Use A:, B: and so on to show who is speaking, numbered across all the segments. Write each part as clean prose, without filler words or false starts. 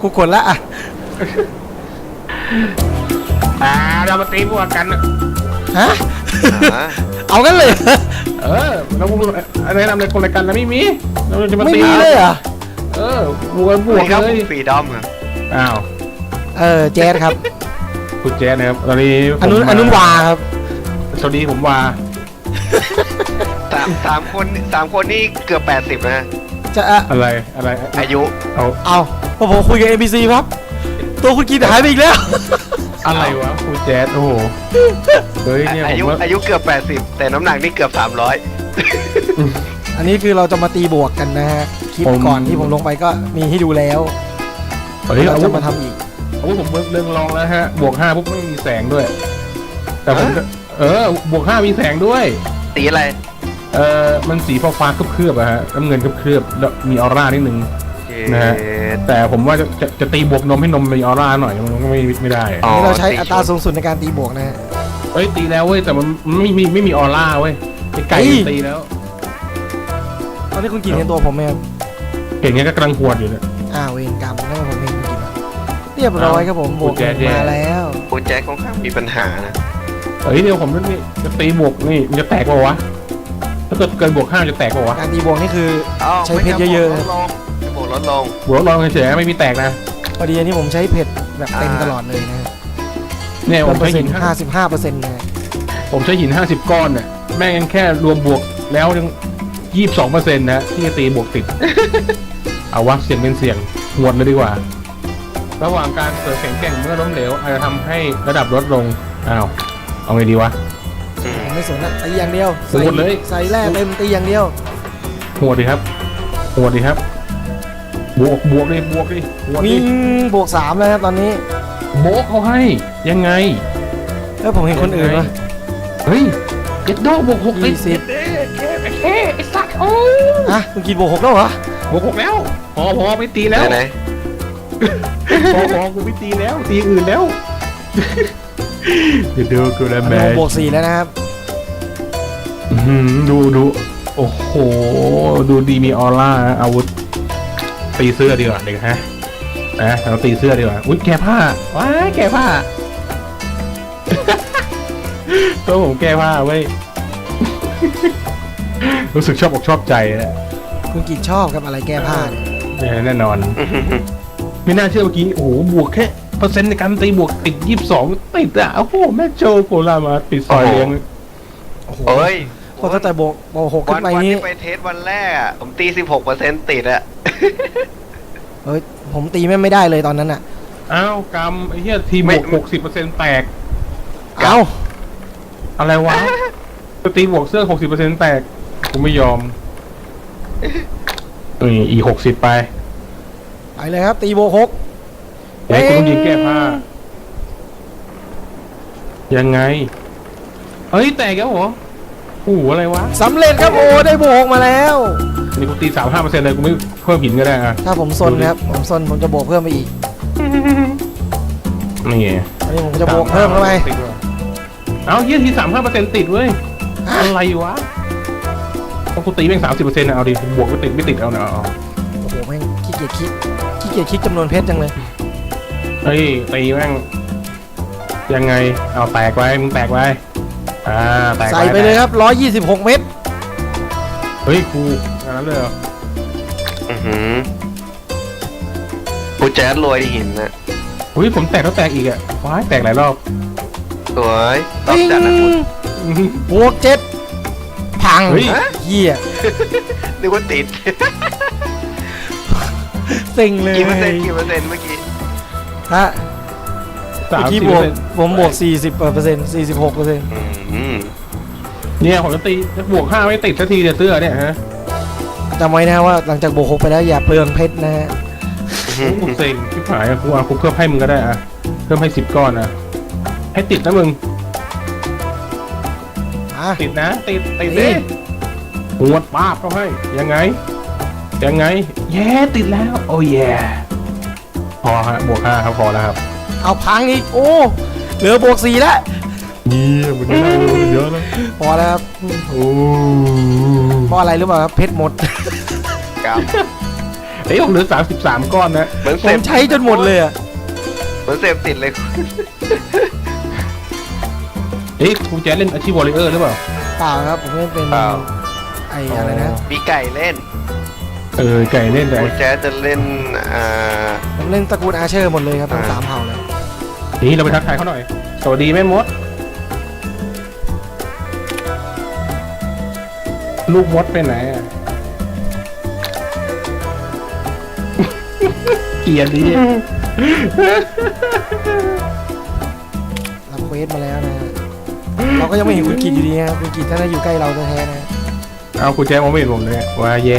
A: กูกดละอ่ะ
B: เรามาตีบวกกัน
A: ฮะ
C: อ่า
A: เอากันเลย
B: เราแนะนำในคนรายการแล้วไม่มีเราจะมา
A: ไม่
B: ตี
A: มีเลยเหรอ่ะ
B: บวก
C: นี่ครับ
B: เลย
C: ฟรีดอมครับ
B: อ้าว
A: แจ๊ดครับ
B: คุณแจ๊นะครับตอนนี้
A: อนุนวาครับ
B: สวัสดีผมวา
C: สามคนนี่เกือบ80นะ
A: จะ
B: อะไร
C: อายุ
A: เอาพอผมคุยกับ NPC ครับ ตัวคุณกินหายไปอีกแล้ว
B: อะไรวะคุณแจ๊ดโอ้โหเฮ้ยเนี่ย
C: อา
B: ผ
C: ยุ
B: มว่า
C: อายุเกือบ80แต่น้ำหนักนี่เกือบ300
A: อันนี้คือเราจะมาตีบวกกันนะฮะคลิปก่อนที่ผมลงไปก็มีให้ดูแล้ว
B: เฮ้ย
A: เรา
B: เอา
A: จะมาทำอีก
B: ผมเรื่องลองแล้วฮะบวก5ปุ๊บไม่มีแสงด้วย แต่ผมบวก5มีแสงด้วย
C: สีอะไร
B: มันสีฟ้าเคลือบๆอะฮะน้ำเงินเคลือบๆแล้วมีออร่านิดนึง นะฮะ แต่ผมว่าจะตีบวกนมให้นมมีออร่าหน่อยมันก็ไม่ได้
A: อันนี้เราใช้อัตราสูงสุดในการตีบวกนะฮะ
B: เอ้ยตีแล้วเว้ยแต่มันไม่มีออร่าเว้ยไก่ตีแล้ว
A: ตอนนี้คุณกินเห็นตัวผมไหมครับ
B: เห็นงั้นก็กำลังหวดอยู่เนี่ย
A: เวรกรรมนั่นผมเห็นคุณกินเรียบร้อยครับผมบวกมาแล้ว
C: โปรแจ็คค่อนข้างมีปัญหานะ
B: เฮ้ยเดี๋ยวผมนี่จะตีบวกนี่มันจะแตกเปล่าวะถ้าเกิดเกินบวก5จะแตกเปล่าวะ
A: การตีบวกนี่คือ ใช้เพชรเยอะๆ
C: บวกลดลง
B: บวกลองเฉยๆไม่มีแตกนะ
A: พอดีอันนี้ผมใช้เพชรแบบเต็มตลอดเลยนะฮะ
B: เนี่ยผม
A: เปอ
B: ใช้
A: ร์เซ็
B: หิ
A: น
B: น
A: ต์55%นะฮะ
B: ผมใช้หิน50 ก้อนเนี่ยแม่งแค่รวมบวกแล้วยัง22%นะที่จะตีบวกติด เอาวะเสียงเป็นเสียงหวดเลยดีกว่า ระหว่างการเสริมแข็งแกร่งเมื่อล้มเหลวอาจจะทำให้ระดับลดลงอ้าวเอาไงดีวะ
A: ผมไม่สนนะตีอย่างเดียว
B: โหดเลย
A: ใส่แร่เต็มตีอย่างเดียว
B: หวดดีครับหวดดีครับบวกดิบวกดิหวด
A: วิ่
B: ดิ
A: งบวก3แล้วครับตอนนี้
B: โบกเขาให้ยังไง
A: แล้วผมเห็นคนอื่นวะ
B: เฮ้ยเจ็ดโดบวก6ติด
A: 20
B: ไอ้สัตว์โอ้
A: คุณกินบวก6แล้วเหรอบ
B: วก6แล้วพอไม่ตีแล้ว
C: ไหน
B: พอกูไม่ตีแล้วตีอื่นแล้วเดี๋ยวดูกูแล้ว
A: อัน
B: แม่
A: นี้ผมบวก4แล้วนะครับ
B: ดูโอ้โหดูดีมีออร่าอาวุธตีเสื้อดีกว่าเด็กฮะเราตีเสื้อดีกว่าอุ้ยแกผ้าว้ายแกผ้า ตัวผมแก้ผ้าเว้ย รู้สึกชอบอกชอบใจนะ
A: คุณกินชอบกับอะไรแก้ผ้าเนี่ย
B: แน่นอน ไม่น่าเชื่อเมื่อกี้โอ้โหบวกแค่เปอร์เซ็นต์ในการตีบวกติด22ติดอ่ะโอ้โหแม่โจโกลามาติดซอยเลี้ยง
A: โอ้โห
C: เฮ้ย
A: พอตั้งแต่บวก6
C: วั
A: ขึ้
C: น
A: นไป
C: ที่
A: นี้
C: ไปเทสวันแรกอะผมตี 16%ติดอะ
A: เฮ้ยผมตีไม่ได้เลยตอนนั้นอ่ะ
B: อ้าวกรรมไอ้เหี้ยทีบวก60%แตก
A: เอ้า
B: อะไรวะจะตีบวกเสื้อ60%แตกกูไม่ยอมนี่อีก60ไป
A: ไปเลยครับตีบวก6
B: เฮ้ยกูต้องยิงแก้ผ้ายังไงเฮ้ยแตกแล้วเหรอโอ้โหอะไรวะ
A: สำเร็จครับโอ้ได้บวกมาแล้ว
B: นี่กูตี 35%เลยกูไม่เพิ่มหินก็ได้อะ
A: ถ้าผมซนนะครับผมซนผมจะบวกเพิ่มไปอีก
B: นี่ไง
A: อันนี้ผมจะบวกเพิ่มเข้าไป
B: เอาเยี่ยที35%ติดเว้ยอะไรวะต้องกูตีแม่ง30%นะเอาดิบวกไม่ติดเอาเนาะ
A: โอ้โหแม่งขี้เกียจคิดจำนวนเพชรจังเลย
B: เฮ้ยตีแม่งยังไงเอาแตกไว้มึงแตกไว้แตก
A: ใส่ไปเลยครับ126 เม็ด
B: เฮ้ยกูงานนั้นเลยเหรอ
C: กูแจ๊ดรวยที่หินนะ
B: เฮ้ยผมแตกแล้วแตกอีกอ่ะว้ายแตกหลายรอบ
C: สวยรอบจัดนะคุณ
A: บวก7พัง
B: เฮ้ย
A: เหี้ย
C: นึกว่าติด
A: เซ็งเลย
C: กี่เปอร์เซ็นต์เมื่อกี้
A: ฮะ
B: สาม
A: เมื่อ
B: สิ
A: กี้
B: บบ
A: วก
B: เปอร์เซ็นต์
A: ผมบวก40% 46%
B: เนี่ยผมจะตีบวก5ไม่ติดสักทีเดี๋ยวเสื้อเนี่ยฮะ
A: จำไว้นะว่าหลังจากบวก6ไปแล้วอย่าเปลืองเพชรนะฮะ
B: กูเซ็งชิบหายอะกูเพิ่มให้มึงก็ได้อะเพิ่มให้10 ก้อนนะให้ติดนะมึง ติดนะติดดิหวดป้าบเขาให้ยังไงแย่ติดแล้วโอ้ยพอฮะบวก5ครับพอแล้วครับ
A: เอาพังอีกโอ้เหลือบวก4แล้ว
B: เยี่ยมมันเยอะแล้ว
A: พอแล้วครับ
B: โอ้
A: เพราะอะไรรู้เปล่าครับเพชรหมด
C: ครับ
B: เฮ้ยผมเหลือ33 ก้อนนะ
C: เหมือน
A: ผ
C: เส
A: ม
C: พ
A: ใช้จนหมดเลยอะ
C: เหมือนเสพติดเลย
B: เฮ้ยคุณแจ๊ดเล่นอาชีพวอลเลเยอร์หรือเปล่า
A: เปล่าครับผมเล่นเป็น
C: เปล่า
A: ไอ้อะไรนะ
C: มีไก่เล่น
B: ไก่เล่นไก่
C: คุณแจ๊สจะเล่น
A: ผมเล่นตระกูลอาเชอร์หมดเลยครับทั้ง
C: อ่า
A: 3เผ่าเลย
B: นี่เราไปทักทายเขาหน่อย สวัสดีแม่มด ลูกมดไปไหนอ่ะ เกลียดดิ
A: รับเควสมาแล้วนะเราก็ยังไม่เห็นคุณกิตอยู่ดีนะคุณกิตท่านอยู่ใกล้เราแท้ๆนะ
B: เอาคุณแจ๊ดมองไม่เห็นผมเลยว่าแย่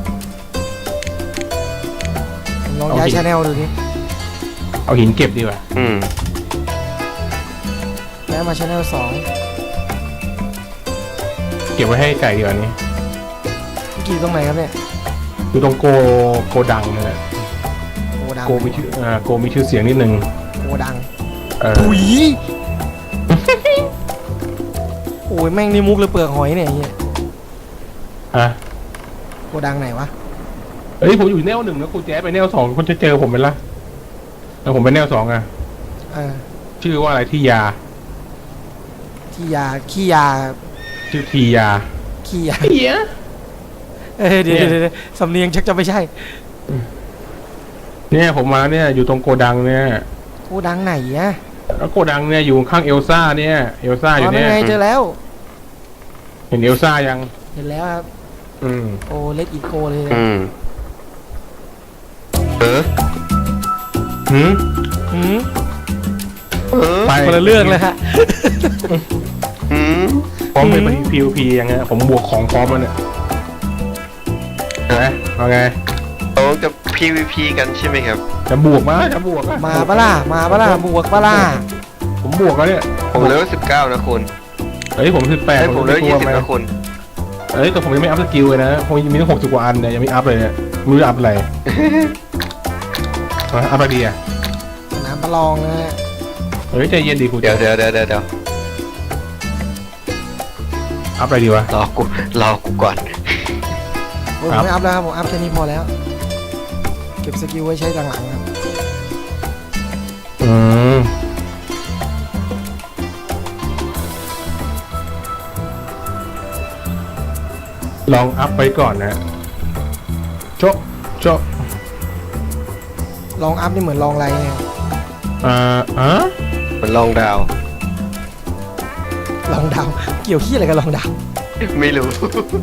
A: ผมลองย้ายชาแนลดูดิ
B: เอาหินเก็บดีกว่า
A: ย้ายมาชาแนล2
B: เก็บไว้ให้ไก่ดีกว่านี้
A: คุณกิตตรงไหนครับเนี่ย
B: อยู่ตรงโกดังนะฮะ
A: โกดัง
B: โกมีชื่อโกมีชื่อเสียงนิดนึง
A: โกดัง
B: เออ
A: ถุย โอ้ยแม่งนี่มุกเลยเปลือกหอยเนี่ยไอ้เฮีย
B: อ่ะ
A: โกดังไหนวะ
B: เฮ้ยผมอยู่แนว 1นะคุณแจ๊ดไปแนว 2คุณจะเจอผมไหมล่ะแล้วผมไปแนว 2อ่ะ
A: เออ
B: ชื่อว่าอะไรที่ยา
A: ขี้ยาขี้ยา
B: ชื่อทียา
A: ขี้ยา
B: เฮีย
A: เดี๋ยว
B: เนี่ย
A: เดี๋ยวสำเนียงชักจะไม่ใช่
B: เนี่ยผมมาเนี่ยอยู่ตรงโกดังเนี่ย
A: โกดังไหนอะ
B: แล้วโกดังเนี่ยอยู่ข้างเอลซ่าเนี่ยเอลซ่า
A: อ๋
B: อยู่
A: อนั่
B: เนี่
A: น
B: ย
A: ไงเจอแล้ว
B: เห็นเอลซ่ายัง
A: เห็นแล้วครับ
B: อืม
A: โอ้เล็ดอีโกเลยนะ
B: หืม
A: หืม
B: ไป
A: คนละเรื่องเลยฮะ
B: พร้อมไปPVP ยังไงผมบวกของพร้อมแล้วเนี่ยเห็นไหมเอาไง
C: เราจะ PVP กันใช่ไหมครับ
B: จะบวกมาจะบวกอะ
A: มาปะล่ะมาปะล่ะบวกปะล่ะ
B: ผมบวกแล้วเนี่ย
C: ผมเลเวล19นะคุณ
B: เฮ้ยผม18
C: ให้ผมเลเวล20นะคุณ
B: เฮ้ยแต่ผมยังไม่อัพสกิลเลยนะผมยังมีตั้ง60 กว่าอันเนี่ยยังไม่อัพเลยเนี่ยไม่รู้จะอัพอะไร อัพอะไรดีอ่ะ
A: สนามประลองนะฮะ
B: เฮ้ยใจเย็นดีคุณ
C: เดี๋ยว
B: อัพอะไรดีวะ
C: รอกูก่อน
A: โอ้ยผมไม่อัพแล้วครับผมอัพแค่นี้พอแล้ว เก็บสกิลไว้ใช้หลังๆครับ
B: อืมลองอัพไปก่อนนะโจ๊ะโจ๊ะ
A: ลองอัพนี่เหมือนลองไรเนี่ย
C: มันลองดาว
A: ลองดาวเกี่ยวขี้อะไรกับลองดาว
C: ไม่รู้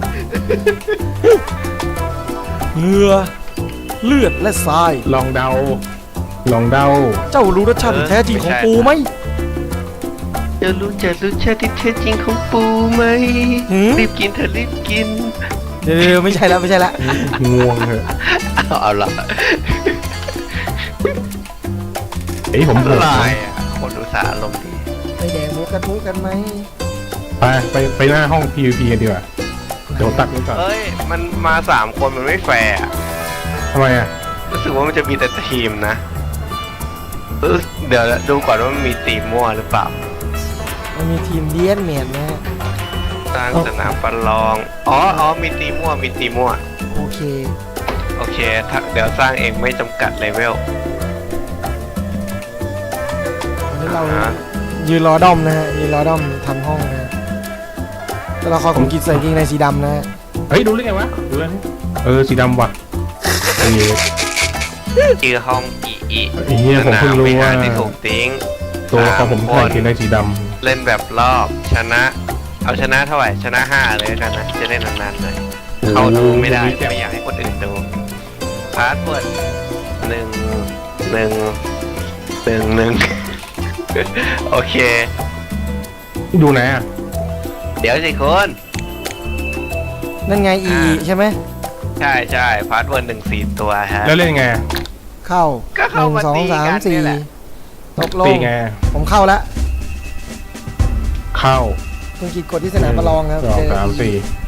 A: เหงื่อเลือดและทราย
B: ลองเดา ลองเดา
A: เจ้ารู้รสชาติที่แท้จริงของปูไหม
C: จะรู้ชาติที่แท้จริงของปูไหม
A: หืม
C: รีบกินเถอะรีบกิน
A: เดี๋ยวไม่ใช่แล้วไม่ใช่แล้ว
B: ง่วงเหอะ
C: เอาละ
B: เฮ้ยผมบวก
C: ลายอ่ะคนอุตส่าห์อารมณ์ดี
A: ไปแดงหมูกระทุกันไหม
B: ไปหน้าห้อง PVP กันดีกว่า เดี๋ยวตัดไว้ก่อน
C: เอ้ย มันมา3 คนมันไม่แฟร์อะ
B: ทำไมอ่ะ
C: รู้สึกว่ามันจะมีแต่ทีมนะเดี๋ยวดูก่อนว่ามันมีทีมมั่วหรือเปล่า
A: มันมีทีมเลียนเมียนนะฮะ
C: สร้างสนามประลอง อ๋อ มีทีมมั่ว
A: โอเค
C: โอเคเดี๋ยวสร้างเองไม่จำกัดเลเวล
A: วันนี้เรา
C: อ่าฮะ
A: ยืนรอด้อมนะฮะยืนรอด้อมทำห้องนะฮะตัวละครของกิจใส่กางเกงในสีดำนะฮะ
B: เฮ้ยดูได้ไงวะ ดูได้สีดำว่ะเฮ้ย
C: ชื่อห้องอี
B: ไอ้เหี้ยผมเพิ่งรู้ว่า
C: สนมวิหรที่ถูกทิ้ง
B: ตัวของผม
C: 3
B: ใส่เกงในสีด
C: เล่นแบบรอบชนะ เอาชนะเท่าไหร่ชนะ5เลยแล้วกันนะ จะเล่นนานๆหน่อย
B: ำ
C: เขาดูไม่ได้ไม่อยากให้คนอื่นดูพาสเวิร์ด1 โอเค
B: ดูไหนอ่ะ
C: เดี๋ยวสิคุณ
A: นั่นไงอีใช่ไหม
C: ใช่พาสเวิร์ด4 ตัวฮะ
B: แล้วเล่นไง
A: เข้า
C: ก็เข้ามา
A: 1 2
C: ตีกัน
A: 3
C: นี่แหละ
A: 4ตกล
B: ตี
A: ง
B: ไง
A: ผมเข้าแล้ว
B: เข้า
A: คุณกิจกดที่สนามประลองครับ
B: 2
A: เจอ
B: 3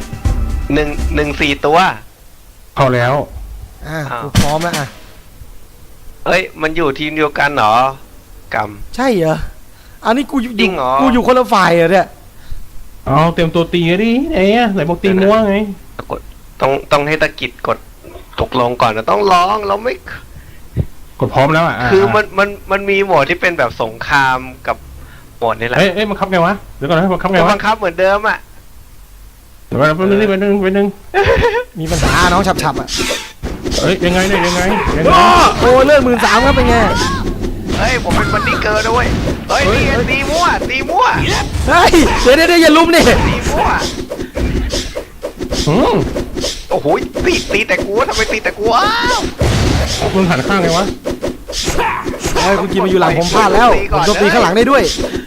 C: 4 ตัว
B: 4เข้าแล้ว
A: อ่ะ
C: อ้าว
A: กูพร้อมแล้วอ่ะ
C: เอ้ย มันอยู่ทีมเดียวกันเหรอ กรรม
A: ใช่เหรออันนี้กูอยู่
C: จริงเหรอ
A: กูอยู่คนละฝ่ายเหรอเนี่ย
B: เอาเตรียมตัวตีดิไหนอ่ะไหนบอกตีมัวไง
C: ต้องให้ตะกิดกดกลงก่อนนะต้องร้องเราไม่
B: กดพร้อมแล้วอ่ะ
C: คือมันมีโหมดที่เป็นแบบสงครามกับโหมดนี่แหละ
B: เอ้ยบังคับไงวะเดี๋ยวก่อนนะบังคับไง
C: ก็
B: วะ
C: บังคับเหมือนเดิมอ่ะ
B: เดี๋ยวก่อนแป๊บนึงเป็นนึง
A: มีปัญหาน้องฉับๆอ่ะ
B: เอ้ยยังไงเนี่ยยังไง
A: โอ้เลือด13,000ครับเป็นไง
C: เฮ้ยผมเป็นบันดี้เกิร์ลด้วยเฮ้ยนี่ไงตีมั่ว
A: เฮ้ยเดี๋ยวอย่าลุมดิ
C: ตีมั่ว
B: อืม
C: โอ้โหตีแต่กูทำไมตีแต่กูอ้าว
B: มึงหันข้างไงวะ
A: เฮ้ยคุณกินมาอยู่หลังผมพลาดแล้วผมโจมตีข้างหลังได้ด้วย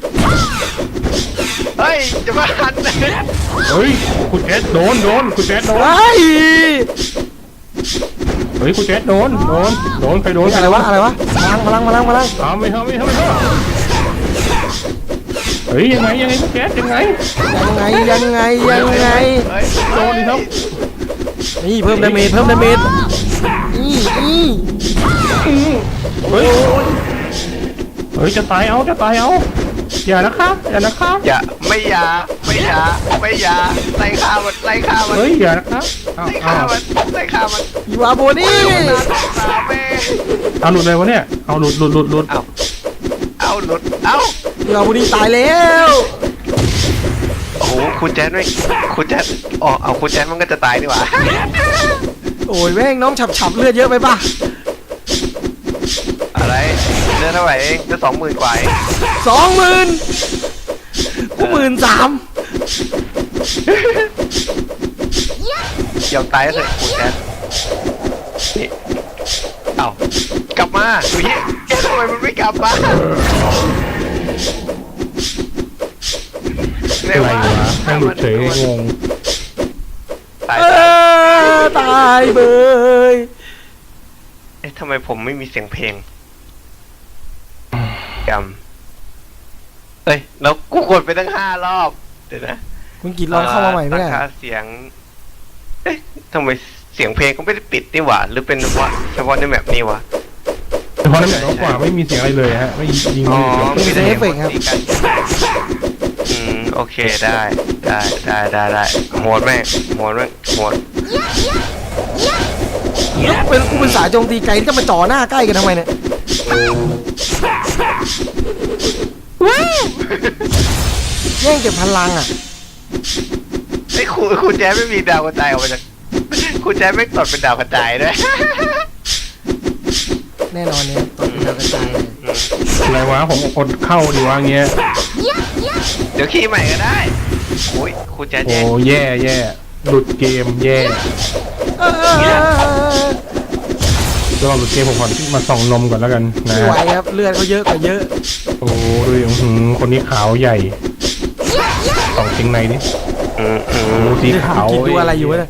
C: เฮ้ยจะมาหันเลย
B: เฮ้ยคุณแจ๊ดโดนคุณแจ๊ดโดน
A: เฮ้ย
B: เฮ้ยคุณแจ๊ดโดนใครโดน
A: อะไรวะพลัง
B: เอาไม่เฮ้ยยังไงคุณแจ๊ดยังไง
C: เฮ้ย
B: โดนดิครับ
A: นี่เพิ่มดาเมจนี่
B: เฮ้ยจะตายเอาอย่านะคะ
C: อย่าไม่ไล่ฆ่ามัน
B: เฮ้ยอย่านะคะเอา
C: ไล่ฆ่ามัน
A: อีวาโบนี่
C: สาเม
B: เอาหลุดเลยวะเนี่ยเอาหลุด
C: เอาหลุดเอา
A: อีวาโบนี่ตายแล้ว
C: โอ้โหคุณแจ๊ดอ๋อเอาคุณแจ๊ดมันก็จะตายดีกว่า
A: โอ้ยแม่งน้องฉับเลือดเยอะไปป่ะ
C: อะไรเดือนเท่าไหร่เองจะ20,000 กว่าเอง
A: 20,000กู13,000
C: ยอมตายแล้วเถอะคุณแจ๊ดนี่เอากลับมาดูเฮ้ยทำไมมันไม่กลับมา
B: อะไรวะแม่งหลุดเฉยงง
C: ตาย
A: ตายเบย
C: เอ๊ะทำไมผมไม่มีเสียงเพลงจำเอ้ยแล้วกูกดไปตั้ง5 รอบเดี๋ยวนะ
A: คุณกิดลองเข้ามาใหม่ไม่ได้
C: ตั้งค่าเสียงเอ๊ะทำไมเสียงเพลงก็ไม่ได้ปิดนี่หว่าหรือเป็นเฉพาะในแมปนี้วะ
B: แต่พอน้ำหนักน้อยกว่าไม่มีเสียงอะไรเลยฮะไม่ยิง
C: อ๋อ
A: มีแต่เอฟเฟกต์ครับ
C: โอเคได้โหดแม่ง
A: เป็นกูเป็นสายโจมตีไกลที่จะมาจ่อหน้าใกล้กันทำไมเนี่ยแย่งเก็บพลังอ่ะ
C: ไอ้คุณแจ๊ไม่มีดาวกระจายออกมาจากคุณแจ๊ไม่ตดเป็นดาวกระจายด้วย
A: แน่นอนเนี่ยตอนเป็นดาวกระจาย
B: อะไรวะผมอดเข้าดีวะเงี้ย
C: เดี๋ยวขี่ใหม่ก็ได้โอ้ยคุณแจ๊
B: โอ้แย่หลุดเกมแย่ก็หลุดเกมผมขอมาส่องนมก่อนแล้วกันนะ
A: ไม่ไหวครับเลือดเขาเยอะกว่าเยอะ
B: โอ้ดูดิคนนี้ขาวใหญ่ส่องจริงในดิโอ้สีขาว
A: กินดูอะไรอยู่วะเนี่ย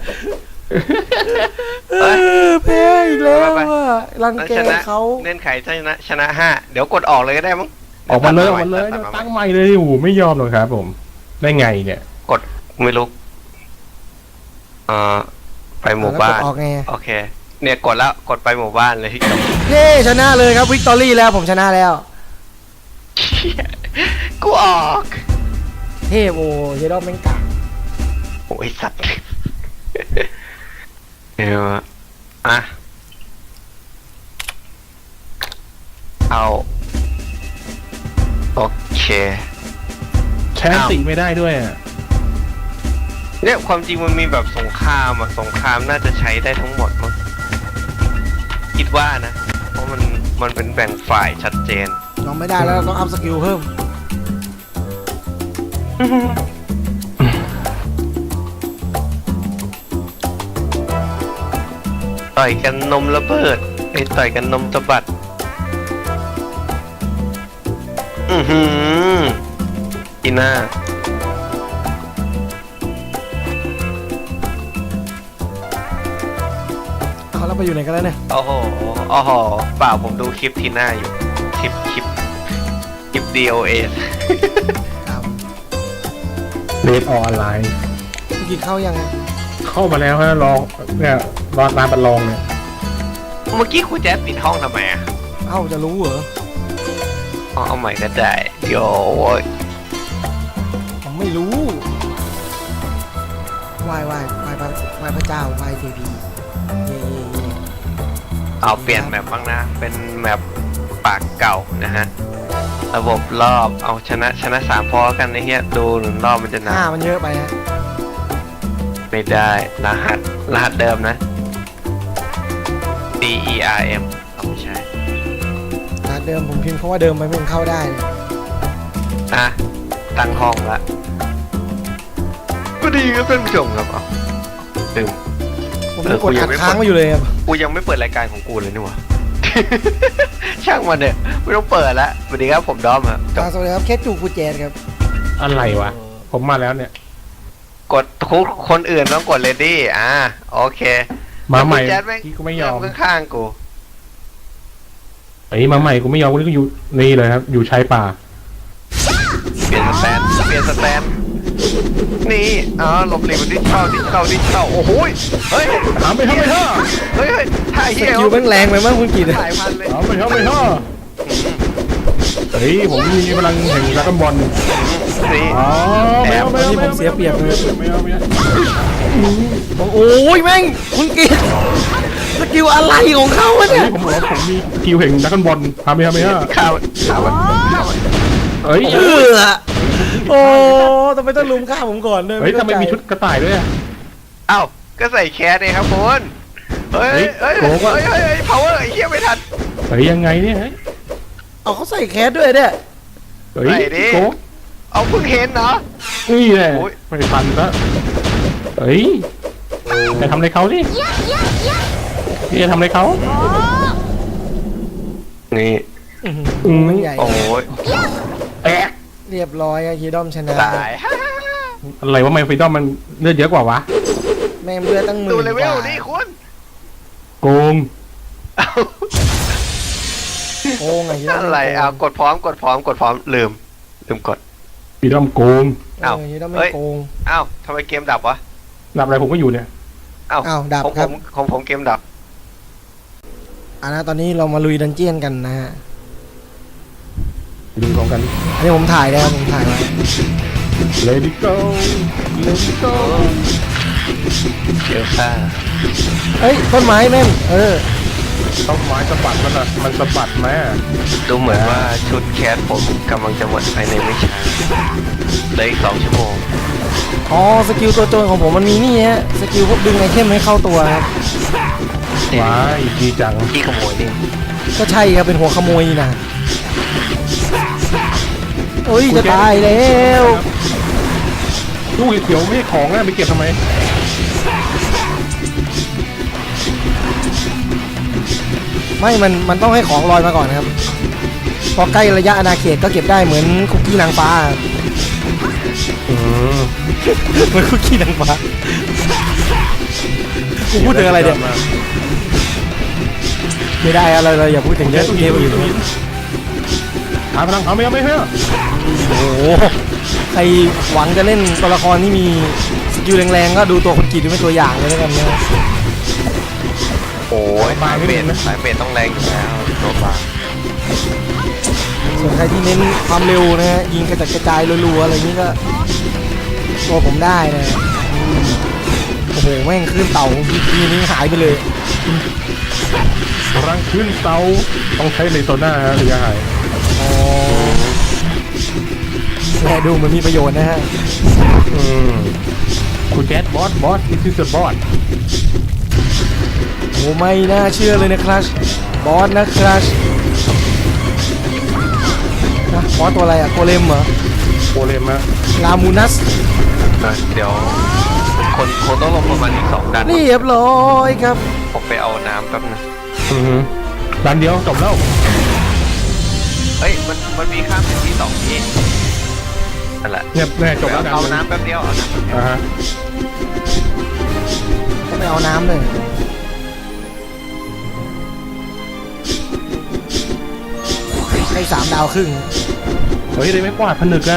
A: แพ้อีกแล้วอ่ะรังแกเขา
C: เล่นไข่ชนะ5เดี๋ยวกดออกเลยก็ได้มั้ง
B: ออกมาเลยตั้งใหม่เลยโอ้ไม่ยอมหรอกครับผมได้ไงเนี่ย
C: กดไม่รู้ไปหมู่บ้าน
A: ออกไง
C: โอเคเนี่ยกดแล้วกดไปหมู่บ้านเลยที่จบ
A: เย้ชนะเลยครับวิกตอรี่แล้วผมชนะแล้ว
C: กูออก
A: เทพโอ้เยดอมแม่งกาก
C: โอ้ยสัตว์เดี๋ยวอ่ะเอาโอเค
B: แชนติไม่ได้ด้วยอ่ะ
C: เนี่ยความจริงมันมีแบบสงครามอ่ะสงครามน่าจะใช้ได้ทั้งหมดมั้งคิดว่านะเพราะมันเป็นแบ่งฝ่ายชัดเจน
A: ลองไม่ได้แล้วเราต้องอัพสกิลเพิ่ม
C: ต่อยกันนมระเบิดไอ้ต่อยกันนมสะบัดอีน่า
A: เอาแล้วไปอยู่ไหนกันแล้วเนี่ย
C: โอ้โหเปล่าผมดูคลิปทีน่าอยู่คลิป DOS
B: เรดออนไลน์
A: คุณกินข้าวยังไง
B: เข้ามาแล้วฮะลองเนี่ยรอร้านบัลลองเนี่ย
C: เมื่อกี้คุณแจ๊สปิดห้องทำไมอ่ะ
A: เอ้าจะรู้เหรอ
C: เอาใหม่ก็ได้เดี๋ยว
A: ผมไม่รู้ไหว้พระเจ้าไหว้เทพีเย่
C: เอาเปลี่ยนแมปบ้างนะ เป็นแมปปากเก่านะฮะ ระบบรอบเอาชนะ3พอกันไอ้เหี้ยดูหนึ่งรอบมันจะนาน
A: มันเยอะไปฮะ
C: ไม่ได้รหัสเดิมนะ D E R M เอาไม่ใช่
A: เดิมผมพิมพ์เพราะว่าเดิมไปไม่เข้าได้เลย
C: อ่ะตั้งห้องละก็ดีก็เป็นผู้ชมครับเอาลืม
A: ผมกดอัดค้างมาอยู่เลยครับ
C: กูยังไม่เปิดรายการของกูเลยนี่หว่า ช่างมันเนี่ยไม่ต้องเปิดละสวัสดีครับผมดอมครับจบ
A: สวัสดีครับเคสจูกูเจนครับ
B: อะไรวะ ผมมาแล้วเนี่ย
C: กดทุกคนอื่นต้องกดเลดี้โอเค
B: มาใหม่
C: แล้วคุณแจ๊ดแม่ง
B: ที่กูไม่ยอม
C: นั่งข้างๆกู
B: ไอ้มาใหม่กูไม่ยอมกูนี่ก็อยู่นี่เลยครับ อยู่ชายป่า
C: เปลี่ยนสแตนนี่หลบหลีกมันดิ้นเข้าโอ้โหเฮ้ย
B: ถามไปเถอะ
C: เฮ้ยถ่าย
A: ส
C: เหี้ย
A: กิลแม่งแรงไปมั้งคุณกีด
C: ถ่ายพันเลย
B: ถามไปเถอะเฮ้ยผมมีพลังแห่งรักบอล
C: นี่
B: อ๋อไม่เอา
A: นี่ผมเสียเปรียบเลย
B: ไม่เอา
A: โอ้ยแม่งคุณกีดสกิลอะไรของเขาวะเนี่ย
B: ผมบอกว่าผมมีสกิลแห่งรักบอลถามไปเถอะ
C: ข้าว
B: เฮ้ย
A: โอ้ทำไมต้องลุมฆ่าผมก่อนด้วย
B: เฮ้ยทำไมมีชุดกระต่ายด้วย
C: อ้าวก็ใส่แคสเองครับคุณเฮ้ย power ไอ้เหี้ยไม่ทัน
B: เฮ้ยยังไงเนี่ย
A: เอาเขาใส่แคสด้วยเนี่ย
B: เฮ้ยโก
C: เอาเพิ่งเห็นเนาะ
B: นี่แหละไม่ทันแล้วเฮ้ยจะทำอะไรเขาดิพี่จะทำอะไรเขา
C: นี่
A: มันใหญ่
C: โอ้ยแตก
A: เรียบร้อยอะฮีดอมชนะ
C: ตาย
B: อะไรว่าไมฟิดอมมันเลือดเยอะกว่าวะ
A: แม่งเลือดตั้งหมื่น
C: ดูเลเว
A: ก
C: ล
A: ว่า
C: นี่คุณ
B: โกง
A: โกงอะฮีดอม
C: อะไรกดพร้อมลืมกด
B: ฟิดอมโกง
A: ฮีดอมไม่โกง
C: ทำไมเกมดับวะ
B: ดับอะไรผมก็อยู่เนี่ย
A: ดับครับ
C: ของผมเกมดับ
A: ตอนนี้เรามาลุยดันเจียนกันนะฮะ
B: ดูพร้อมกัน
A: อันนี้ผมถ่ายแล้วผมถ่ายไว้
B: Let it go Let it go
C: เจอค่า
A: เฮ้ยต้นไม้แม่ง
B: ต้องไม้สะบัดมันอ่ะมันสะบัดไหม
C: ดูเหมือนว่าชุดแคสผมกำลังจะหมดภายในไม่ช้าเลยอีก2 ชั่วโมง
A: สกิลตัวโจรของผมมันมีนี่ฮะสกิลพวกดึงไอเทมให้เข้าตัวครับ
B: ว้ายดีจัง
C: ที่ขโมยนี่
A: ก็ใช่ครับเป็นหัวขโมยนี่นะโอ้ยจะตายแล้ว
B: ลูกเขียวไม่ใช่ของนะไปเก็บทำไม
A: ไม่มันต้องให้ของลอยมาก่อนครับพอใกล้ระยะอาณาเขตก็เก็บได้เหมือนคุกกี้นางฟ้าเหมือนคุกกี้นางฟ้ากูพูดถึงอะไรเนี่ยไม่ได้อะไรเราอย่าพูดถึงเยอะเกมอื่น
B: หาพลังเขาไม่เอาไม่เถอะ
A: โอ้โหใครหวังจะเล่นตัวละครที่มีสกิลแรงๆก็ดูตัวคนกรีดดูเป็นตัวอย่างเลยแล้วกันนะ
C: โอ้ยสายเมทต้องแรงอยู่แล้วตัวบา
A: ส่วนใครที่เน้นความเร็วนะฮะยิงกระจัดกระจายรัวๆอะไรนี้ก็ตัวผมได้นะโอ้โหแม่งขึ้นเต่าทีนี้หายไปเลย
B: พลังขึ้นเตาต้องใช้เลโซน่าหรือยังไง
A: แหละดูเหมือนมีประโยชน์นะฮะ
B: คุณแก๊สบอสนี่คือบอส
A: โอ้ไม่น่าเชื่อเลยนะครับบอสนะครับนะบอสตัวอะไรอะโกเลมเหรอ
B: โกเลมอะ
A: ลามูนัส
C: เดี๋ยวคนต้องลงประมาณอีก2 ดัน
A: เรียบร้อยครับ
C: ผมไปเอาน้ำแป๊บนึง
B: ดันเดียวจบแล้ว
C: เฮ้ยมันมีข้ามเป็นที่2ที่นั่นแหละ
B: เนี่ยแน่จบแล้ว
C: เอาน้ำแป๊บเดียวเอาน้ำแป๊บเดียว
B: ฮะ
A: ก็ไปเอาน้ำเลยให้3 ดาวครึ่ง
B: เฮ้ยเลยไม่กวาดผนึกอะ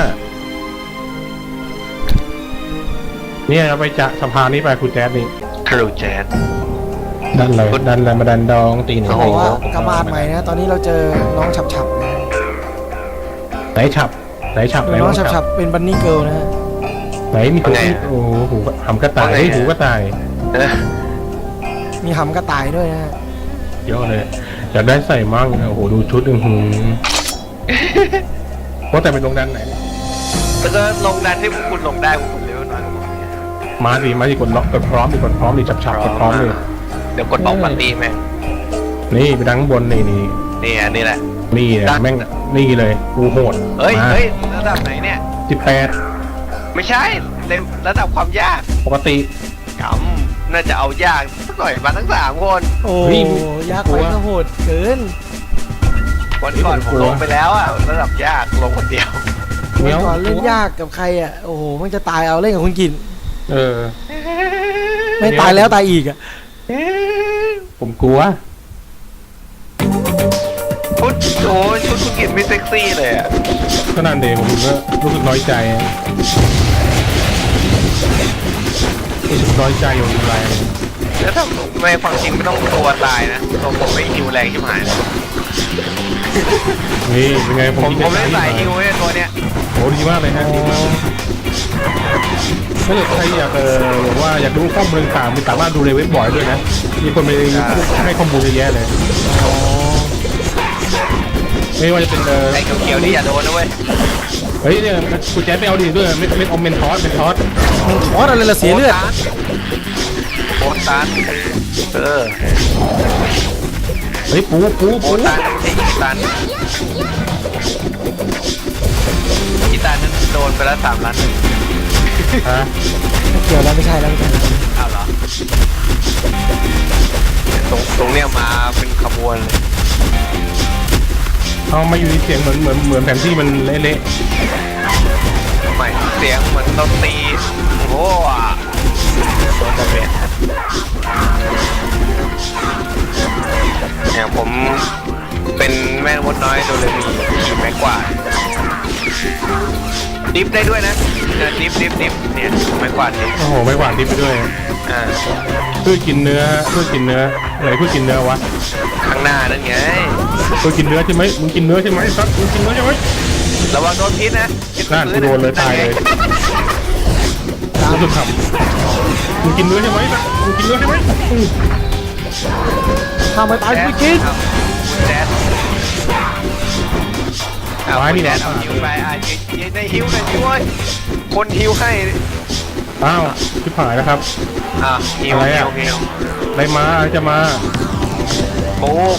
B: เนี่ยเราไปจะสะพานนี้ไปคุณแจ๊ดนี่
C: ทรูแจ๊ด
B: ดันเลยมาดันดองตีหนึ่ง
A: เขาบอกว่ากระบาดใหม่นะตอนนี้เราเจอน้องฉับๆนะ
B: ไหนฉับ
A: น้องฉับๆเป็นบันนี่เกิลนะฮะ
B: ไหนมีตัวที่โอ้โหหำกระต่ายหูกระต่าย
A: มีหำกระต่ายด้วยนะฮะ
B: เยอะเลยอยากได้ใส่มั่งโอ้โหดูชุดว่าแต่เป็นโรงดันไหนเนี่ย
C: แล้วก็ลงดันที่พวกคุณลงได้พวกคุณเร็วหน่อย
B: มาดิกดล็อกกดพร้อมดิกดพร้อมดิจับกดพร้อมเลย
C: เดี๋ยวกดบล็อกปาร์ตี้แม่ง
B: นี่ไปดังข้างบนนี่
C: นี่อันนี้แหละ
B: นี่นะแม่งนี่เลยกูโหด
C: เฮ้ยระดับไหนเนี่ย
B: 18
C: ไม่ใช่ระดับความยาก
B: ปกติ
C: กำน่าจะเอายากสักหน่อยมาทั้ง3 คน
A: โอ้
B: เฮ้ย
A: ยากไปก็โหดเกิน
C: วันก่อนผมลงไปแล้วอะระดับยากลงคนเดียว
B: เนี้ย
A: ก่อนเล่นยากกับใครอ่ะโอ้โหมันจะตายเอาเล่นกับคุณกิน
B: อ
A: ไม่ตายแล้วตายอีกอ่ะ
B: ผมกลัว
C: ชุดโอ้ชุดคุณกินไม่เซ็กซี่เลยอะ
B: ก็นั่นเดผมก็รู้สึกน้อยใจอยู่อะไร
C: แล้วถ้าไม่ความจริงไม่ต้องตัวตายนะตัวผมไม่ฮิวแรงชิบหายเลย
B: นี่เป็นไงผม
C: ผมไม่ใส่ฮิวไว้ตัวเนี้ย
B: โอ้ดีมากเลยฮะดีมากถ้าเกิดใครอยากบอกว่าอยากดูข้อมูลต่างๆมีสามารถดูในเว็บบ่อยด้วยนะมีคนไปให้ข้อมูลเยอะแยะเลยไม่ว่าจะเป็น
C: ไอ้เขียวๆนี่อย่าโดนนะเว้ย
B: เฮ้ยเนี่ยกูแจ๊ดไม่เอาดีด้วยไม่เอาเมนทอส
A: มันคอสอะไรละเสียเลือด
C: โคตาน
B: เฮ้ยปู
C: โคตานไม่ใช่อีตานอีตานนั้นโดนไปแล้ว3 ล้าน
B: ฮะ
A: ไม่เกี่ยวแล้วไม่ใช่แล้วไม่ใช่แล้ว
C: อ้าวเหรอตรงเนี้ยมาเป็นขบวนเลย
B: เอามาอยู่ในเสียงเหมือนแผนที่มันเละ
C: ไม่เสียงเหมือนดนตรีโอ้โดนระเบิดเนี่ยผมเป็นแม่มดน้อยโดเรมีขี่ไม้กวาดดิฟได้ด้วยนะดิฟเนี่ยไม้กวาดดิฟ
B: โอ้โหไม่หวานดิบไปด้วย เพื่อกินเนื้ออะไรเพื่อกินเนื้อวะ
C: ข้างหน้านั่นไง
B: เพื่อกินเนื้อใช่ไหมมึงกินเนื้อใช่ไหมครับมึงกินเนื้อใช่ไหม
C: ระวังโดนพิษนะ
B: นั่นกูโดนเลยตายเลยรู้สึกขำมึงกินเนื้อใช่ไหมครับมึงกินเนื้อใช่ไหม
A: ทำไมตายคุณกิน
C: คุณแจ๊ดคุณแจ๊ดเอาฮิวไปยืนในฮิวหน่อยดิเว้ยคนฮิวให้
B: อ้าวชิบหายแล้วครับ
C: ฮิว
B: อะไรมาจะมา
C: โบ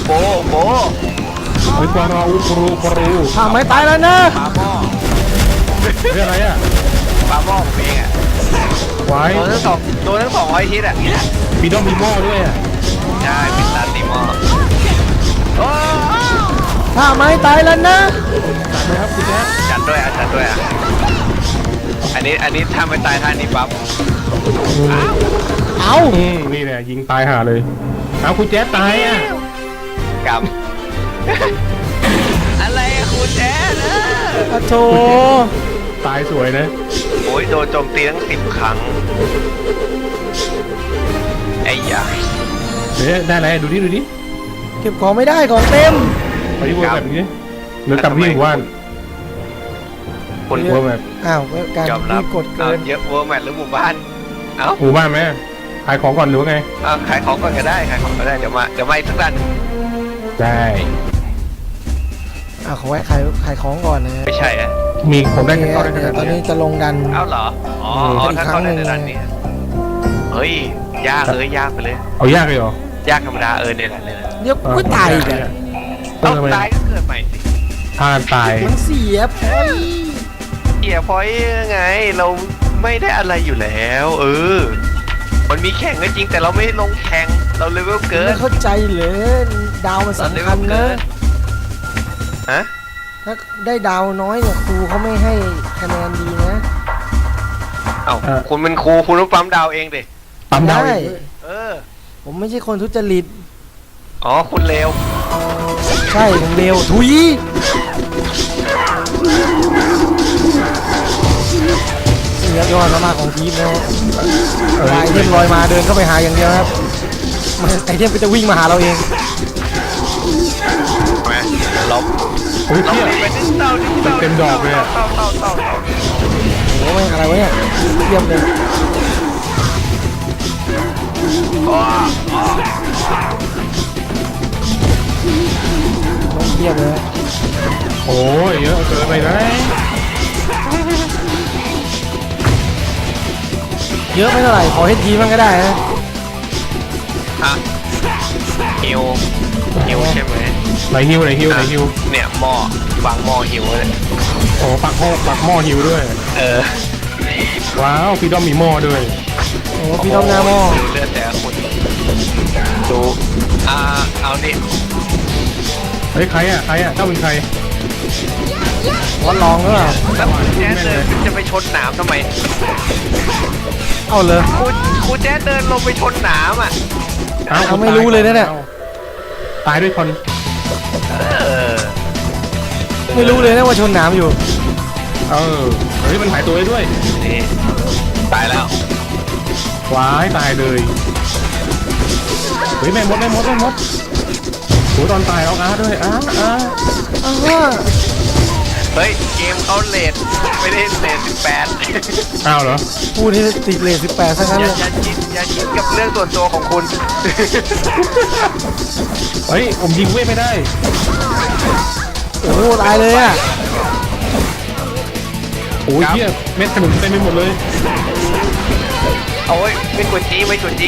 B: เฮ้ยปราปรู
A: ทำไมตายแล้วนะ
C: ปาหม้อ
B: เฮ้ยอะไรอ่ะ
C: ปาหม้อผมเองอ่ะ
B: ไว้
C: โดนทั้ง200 ทิศอ่ะ
B: ปีดอมมีหม้อด้วยอ่ะ
C: ใช่เป็นตาตีหม้อโอ้
A: ทำไมตายแล้วนะ
B: จัดเลยครับคุณแจ๊ด
C: จัดด้วยอ่ะอันนี้ถ้าไม่ตายท่านี้ปั๊บ
A: เอา
B: นี่แหละยิงตายห่าเลยเอาคุณแจ๊ดตายอ่ะ
C: กำอะไรคุณแจ๊ด
A: โธ่
B: ตายสวยนะ
C: โอ้ยโดนโจมตีทั้ง10 ครั้งไอ้ยา
B: เดี๋ยวได้อะไรดูดิ
A: เก็บของไม่ได้ของเต็ม
B: ไปที่เวอร์แบบนี้หรือกลับที่หมู่บ้าน
C: คุณ
B: เวอร์แบบ
A: อ้าวการ
C: ยอมรับ
A: ที่กดเกิน
C: เยอะเวอร์แมทหรือหมู่บ้านเอ้า
B: หมู่บ้านไหมขายของก่อนหรือว่าไง
C: ขายของก่อนก็ได้เดี๋ยวมาอีกสักด้าน
B: ได้
A: ขอแวะขายของก่อนนะ
C: ไม่ใช่อะ
B: มีผมได้
A: เดี๋
B: แค่
A: ยว
B: ก้อนได้ขนาด
A: ตอนนี้
B: นี้
A: จะลงดัน
C: เอ้าเหรออ๋อถ้าเข้าได้ในด้านนี้เฮ้ยยากไปเลย
B: เอายากเลยเหรอย
C: ากธรรมดาเนี่ยแหละ
A: เดี๋ยวไม่ตายอีกอะ
C: ต้องตายก็เกิดใหม่สิ
B: ถ้าตาย
A: มันเสียพอย
C: เกียร์พอยต์ไงเราไม่ได้อะไรอยู่แล้วมันมีแข่งก็จริงแต่เราไม่ลงแข่งเราเลเวลเกิน
A: ไม่เข้าใจเลยดาวมันสำคัญนะ
C: ฮะ
A: ถ้าได้ดาวน้อยเนี่ยครูเขาไม่ให้คะแนนดีนะ
C: เอ้าคุณเป็นครูคุณต้องปั๊มดาวเองดิ
B: ปั๊มดาว
A: ได้
C: เ
A: ผมไม่ใช่คนทุจริต
C: อ๋อคุณเลว
A: ใช่ผมเร็วทุยนี่ครับยอดมากของทีมนะฮะไอเทมลอยมาเดินเข้าไปหาอย่างเดียวครับไอเทมก็จะวิ่งมาหาเราเอง
C: มาลบ
B: โอ้ย
C: ลบ
B: เที่ย
C: ไปดิเต้า
B: เต็มดอกเลยอะ
C: เต้า
A: โอ้ยอะไรวะเนี่ยเยี่ยมเลย
C: อ๋อ
A: นกเทียบเลย
B: โอ้ยเยอะเกินไปนะ
A: เยอะไม่เท่าไหร่ขอเฮดจีมันก็ได้นะ
C: ฮะฮิวใช่ไหม
B: ไหนฮิวไหนฮิวไหนฮิว
C: เนี่ยหม้อวางหม้อฮิวเลย
B: โอ้ปักหม้อฮิวด้วย
C: เออ
B: ว้าวพี่ด้อมมีหม้อด้วย
A: โอ้พี่ต้อมหน้าหม้อ
C: ดูเลือดแต่ละคนดูเอาดิ
B: เฮ้ยใครอ่ะเจ้าเป็นใคร
A: วัดลองหรือเปล่า
C: แล้วแจ๊ดเดินจะไปชนหนามทำไม
A: เอาเลย
C: ครูแจ๊ดเดินลงไปชนหนามอ่ะ
A: เอาไม่รู้เลยนะเนี่ย
B: ตายด้วยคน
C: เออ
A: ไม่รู้เลยนะว่าชนหนามอยู่
B: เออเฮ้ยมันหายตัวได้ด้วย
C: นี่ตายแล้ว
B: ว้ายตายเลยเฮ้ยแม่มดโหตอนตายเอาอาร์ด้วยอาร์
A: อ้าว
C: เฮ้ยเกมเขาเลทไม่ได้เลท18
B: อ้าวเหรอ
A: พูดที่ติดเลท18ซะงั้น
C: อ
A: เลย
C: ย่าคิดกับเรื่องส่วนตัวของคุณ
B: เฮ้ยผมยิงเว้ยไม่ได้
A: โอ้โหตายเลยอ่ะ
B: โอ้ยเหี้ยเม็ดขนุนเต็มไปหมดเลย
C: โอ้ยไม่กดจี้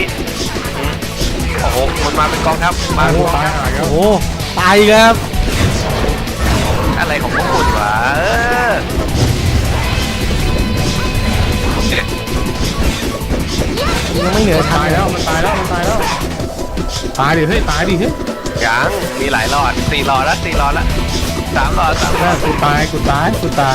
C: โอ้โหมันมาเป็นกองทัพมา
B: โอ้ตายหายแล้
A: โอ้
B: ว
A: โหตายอีกครับ
C: อะไรของพวกคุณวะ
A: ยังไม่เหนือ
B: มัน
A: ชั้น
B: ตายแล้วมันตายแล้วตายดิเฮ้ยตายดิเฮ้ย
C: ยังมีหลายหลอด4 หลอดแล้ว3 หลอด
B: น่ากูตายกูตาย
C: เหมา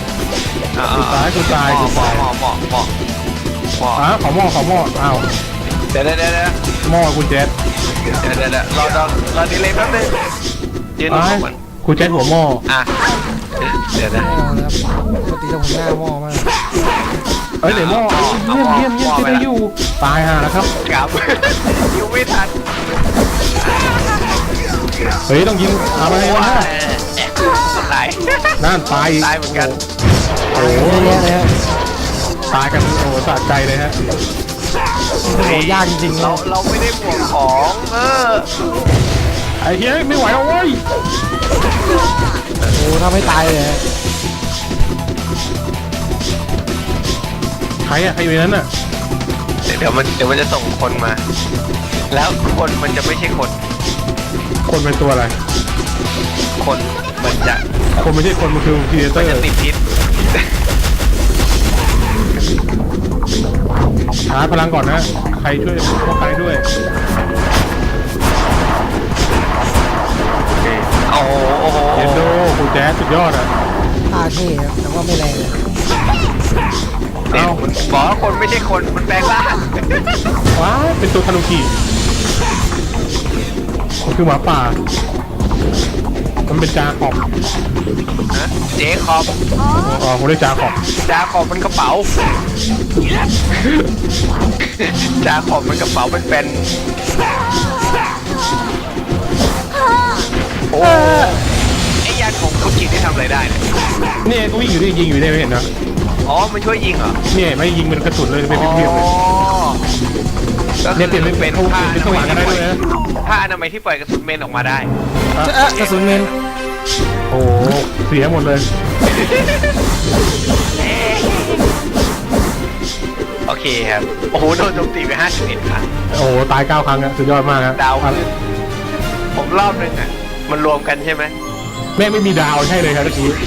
B: อ้าวขอหม้ออ้าว
C: เดี๋ยว
B: หม้อคุณแจ๊ด
C: รอดีเลยแป๊บนึงยืน
B: อ้าย
C: ก่อน
B: คุณแจ๊ดหัวหม้อ
C: อ่ะเดี๋ยวนะ
A: หม้อนะครับปกติจะผมหน้าหม้อมาก
B: เอ้ยเดี๋ยวหม้อเยี่ยมจะได้อยู่ตายห่าแล้วครับ
C: ครับอยู่ไม่ทัน
B: เฮ้ยต้องยิงอะไรวะ
C: ตาย
B: นั่นตาย
C: ตายเหมือนกัน
A: โอ้โหเยอะแยะเลยฮะ
B: ตายกันโอ้สะใจเลยฮะ
A: โอ้โหยากจริงๆ
C: เราไม่ได้บวกของ
B: ไอ้เฮ้ยไม่ไหวแล้วเว้ย
A: โอ้โหทำให้ตายเลยฮะ
B: ใครอยู่ในนั้นอ่ะ
C: เดี๋ยวมันจะส่งคนมา แล้วคนมันจะไม่ใช่คน
B: คนเป็นตัวอะไร
C: คนมันจะ
B: คนไม่ใช่คนมันคือครีเอเตอ
C: มัน
B: ร์
C: จะติดพิษ
B: ชาร์จพลังก่อนนะใครช่วยพวกใครด้วยโอเค
C: โอ้โห
B: เยนโดคุณแจ๊สสุดยอดอ่ะ
A: ตาเท่ครับแต่ว่าไม่แรงเลย
C: เนี่ยมันบอกว่าคนไม่ใช่คนมันแปลงร่าง
B: ว้าวเป็นตัวคานุกิมันคือหมาป่ามันเป็นจาขอบ
C: นะเจ๊คอบ
B: อ๋อผมเรียกจาขอบ
C: จาขอบมันกระเป๋าจาขอบมันกระเป๋าเป็นโอ้ไอ้ยานของคุณกิจที่ทำอะไรได้เนี่ย
B: เนี่ยก็วิ่งอยู่นี่ยิงอยู่เนี่ยไม่เห็นนะ
C: อ๋อมันช่วยยิงเหรอ
B: เนี่ยไม่ยิงเป็นกระสุนเลยเป็นเพียวๆเลย
C: ก็
B: เนี่ยเปลี่ยนเป็น
C: ผ้า
B: เป็นสว่างกันได้ด้วยนะ
C: ผ้าอนามัยที่ปล่อยกระสุนเมนออกมาได้
A: กระสุนเมน
B: โอ้เสียหมดเลย
C: โอเคครับโอ้โหโดนโจมตีไป51 ครั้ง
B: โอ้ตาย9 ครั้งอะสุดยอดมากครับ
C: ดาวขึ้นผมรอบนึงอ่ะมันรวมกันใช่ไหม
B: แม่ไม่มีดาวใช่เลยครับเมื่อกี้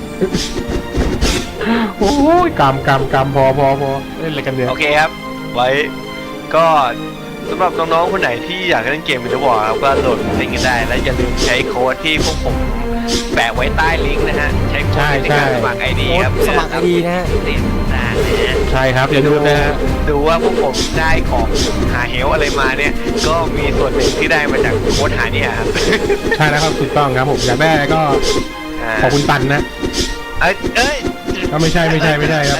B: โอ้ยกำพอเล่นอะไรกันเนี่ย
C: โอเคครับ ไว้ก็สำหรับน้องๆคนไหนที่อยากเล่นเกมวิดีโอครับก็โหลดเล่นกันได้ และอย่าลืมใช้โค้ดที่พวกผมแปะไว้ใต้ลิงก์นะฮะใช้โค้ดในการสมัคร ID ครับ
A: สมัครไอดีนะฮะ
C: ติดตามนะฮะ
B: ใช่ครับอย่าลืมนะฮะ
C: ดูว่าพวกผมได้ของหาเฮลอะไรมาเนี่ย ก็มีส่วนหนึ่งที่ได้มาจากโค้ดหาเนี่ยครับ
B: ใช่แล้วครับถูกต้องครับผมอยากได้ก็ขอบคุณตันนะ
C: เอ้ย
B: ก็ไม่ใช่ครับ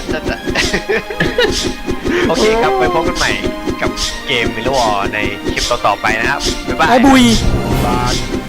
C: โอเคครับไปพบกันใหม่กับเกมมิลวอร์ในคลิปต่อๆไปนะครับ บ๊ายบาย
A: ไอ้บุย
B: บาน